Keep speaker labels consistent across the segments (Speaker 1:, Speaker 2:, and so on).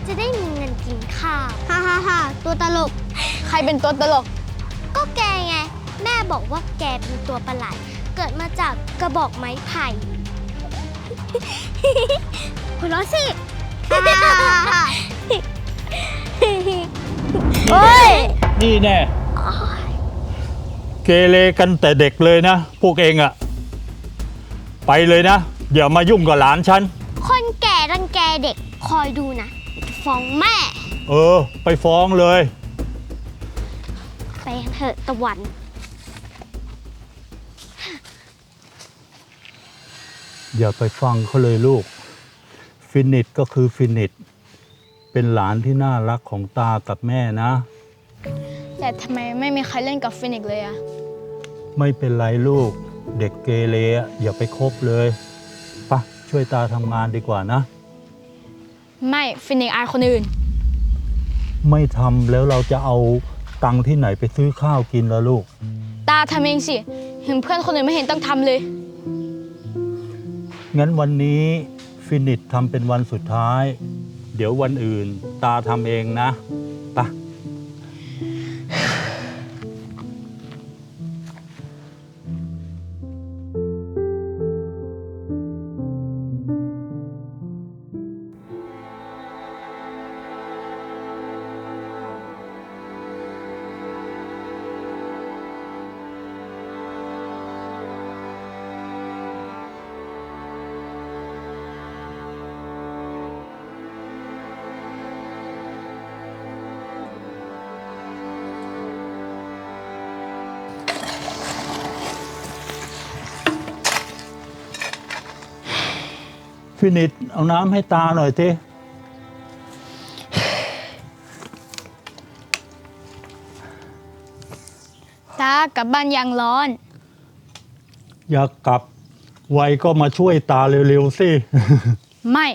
Speaker 1: จะได้มีเงินกินข้าว
Speaker 2: ฮ่าฮ่าฮ่าตัวตลกใครเป็นตัวตลก
Speaker 1: ก็แกไงแม่บอกว่าแกเป็นตัวประหลาดเกิดมาจากกระบอกไม้ไผ่ หัวเราะสิ
Speaker 2: เฮ้ย
Speaker 3: นี่แน่เกเรกันแต่เด็กเลยนะพวกเองอะไปเลยนะอย่ามายุ่งกับหลานฉัน
Speaker 1: คนแก่รังแกเด็กคอยดูนะฟ้องแม่
Speaker 3: ไปฟ้องเลย
Speaker 1: ไปเถอะตะวัน
Speaker 3: อย่าไปฟังเขาเลยลูกฟินิชก็คือฟินิชเป็นหลานที่น่ารักของตากับแม่นะ
Speaker 2: แต่ทำไมไม่มีใครเล่นกับฟินิกเลยอะ
Speaker 3: ไม่เป็นไรลูกเด็กเกเรอย่าไปคบเลยปะช่วยตาทำงานดีกว่านะ
Speaker 2: ไม่ฟินิกอายคนอื่น
Speaker 3: ไม่ทำแล้วเราจะเอาตังค์ที่ไหนไปซื้อข้าวกินล่ะลูก
Speaker 2: ตาทำเองสิเห็นเพื่อนคนอื่นไม่เห็นต้องทำเลย
Speaker 3: งั้นวันนี้ฟินิชทำเป็นวันสุดท้ายเดี๋ยววันอื่นตาทำเองนะปะฟินิชเอาน้ำให้ตาหน่อยสิ
Speaker 2: ตากลับบ้านยังร้อน
Speaker 3: อยากกลับไวก็มาช่วยตาเร็วๆสิ
Speaker 2: ไม่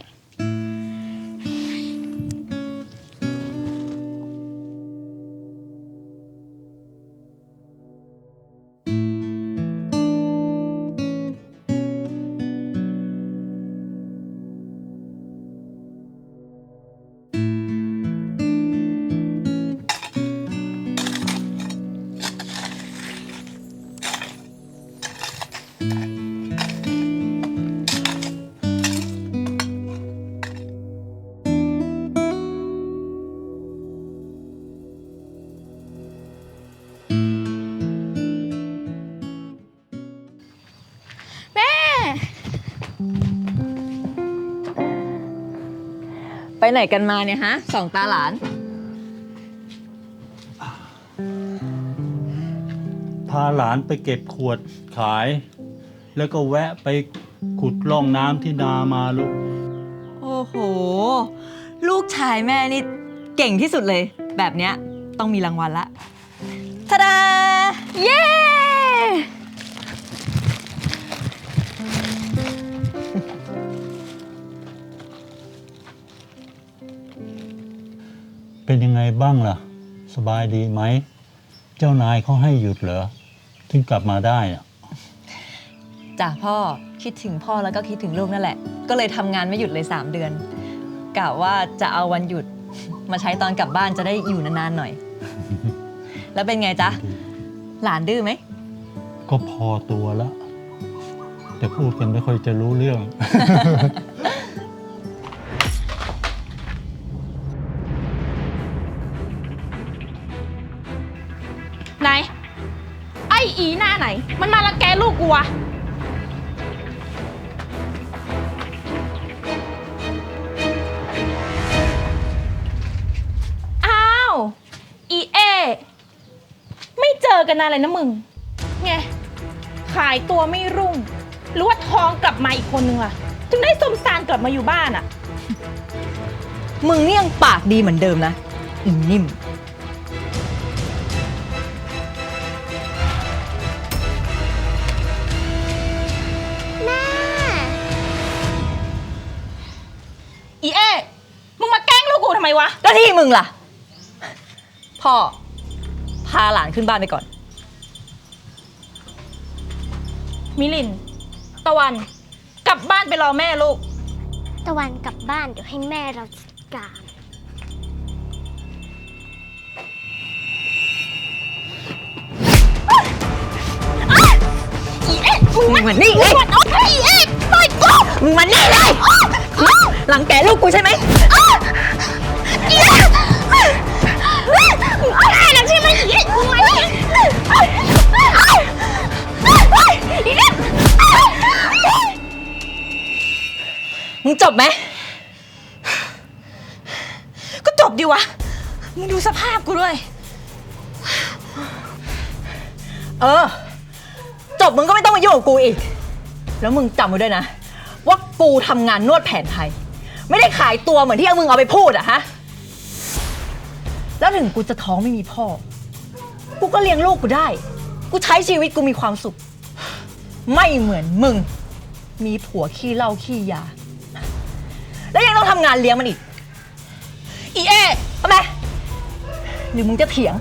Speaker 4: ไปไหนกันมาเนี่ยฮะสองตาหลาน
Speaker 3: พาหลานไปเก็บขวดขายแล้วก็แวะไปขุดร่องน้ำที่นามาลูก
Speaker 4: โอ้โหลูกชายแม่นี่เก่งที่สุดเลยแบบเนี้ยต้องมีรางวัลละทะดาเย้
Speaker 3: เป็นยังไงบ้างล่ะสบายดีไหมเจ้านายเขาให้หยุดเหรอถึงกลับมาได้อะ
Speaker 4: จ้ะพ่อคิดถึงพ่อแล้วก็คิดถึงลูกนั่นแหละก็เลยทำงานไม่หยุดเลย3 เดือนกะว่าจะเอาวันหยุดมาใช้ตอนกลับบ้านจะได้อยู่นานๆหน่อย แล้วเป็นไงจ๊ะหลานดื้อไหม
Speaker 3: ก็พอตัวแล้วแต่พูดกันไม่ค่อยจะรู้เรื่อง
Speaker 5: ไหนไอ้อีหน้าไหนมันมารังแกลูกกูวะอ้าวอีเอไม่เจอกันนานเลยนะมึงไงขายตัวไม่รุ่งหรือว่าท้องกลับมาอีกคนนึงล่ะถึงได้สมสารกลับมาอยู่บ้านอ่ะ
Speaker 4: มึงนี่ยังปากดีเหมือนเดิมนะอีนิ่ม
Speaker 5: อีเอมึงมาแกล้งลูกกูทำไมวะ
Speaker 4: แล้วที่มึงล่ะพ่อพาหลานขึ้นบ้านไปก่อน
Speaker 5: มิลินตะวันกลับบ้านไปรอแม่ลูก
Speaker 1: ตะวันกลับบ้านเดี๋ยวให้แม่เราจัดการ
Speaker 4: งมานี่เลยมึงมานี่เลยหลังแกลูกกูใช่ไหม
Speaker 1: อะไรนะใช่ไหมอีมึงมาดิ
Speaker 4: มึงจบไหม
Speaker 5: ก็จบดีวะ มึงดูสภาพกูด้วย
Speaker 4: จบมึงก็ไม่ต้องมายุ่งกับกูอีก แล้วมึงจำไว้ด้วยนะ ว่ากูทำงานนวดแผนไทย ไม่ได้ขายตัวเหมือนที่เอามึงเอาไปพูดอะฮะ แล้วถึงกูจะท้องไม่มีพ่อ กูก็เลี้ยงลูกกูได้ กูใช้ชีวิตกูมีความสุข ไม่เหมือนมึง มีผัวขี้เหล้าขี้ยา แล้วยังต้องทำงานเลี้ยงมันอีก
Speaker 5: อีเอ
Speaker 4: ทำไมหรือมึงจะเถียง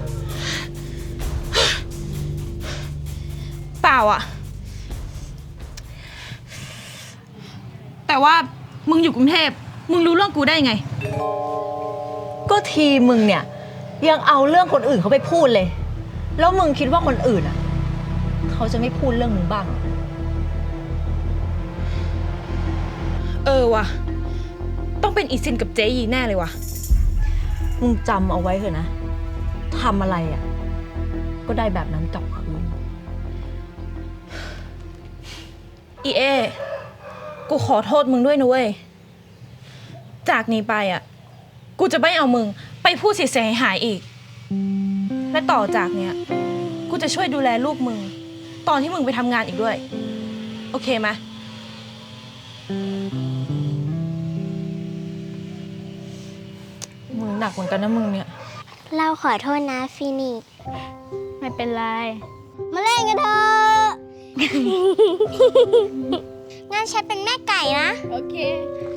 Speaker 5: เปล่าอะแต่ว่ามึงอยู่กรุงเทพ มึงรู้เรื่องกูได้ไง
Speaker 4: ก็ทีมึงเนี่ยยังเอาเรื่องคนอื่นเขาไปพูดเลย แล้วมึงคิดว่าคนอื่นอ่ะเขาจะไม่พูดเรื่องมึงบ้าง
Speaker 5: ว่ะ ต้องเป็นอีซินกับเจยีแน่เลยว่ะ
Speaker 4: มึงจำเอาไว้เถอะนะทำอะไรอ่ะก็ได้แบบนั้นกลับคืน
Speaker 5: อีเอ กูขอโทษมึงด้วยนะเว้ย จากนี้ไปอ่ะ กูจะไม่เอามึงไปพูดเสียหายอีก และต่อจากเนี้ย กูจะช่วยดูแลลูกมึง ตอนที่มึงไปทำงานอีกด้วย โอเคไหม
Speaker 4: มึงหนักเหมือนกันนะมึงเนี่ย
Speaker 1: เราขอโทษนะฟินิกซ์
Speaker 2: ไม่เป็นไร
Speaker 1: มาเล่นกันเถอะ งั้นฉันเป็นแม่ไก่นะ
Speaker 2: โอเค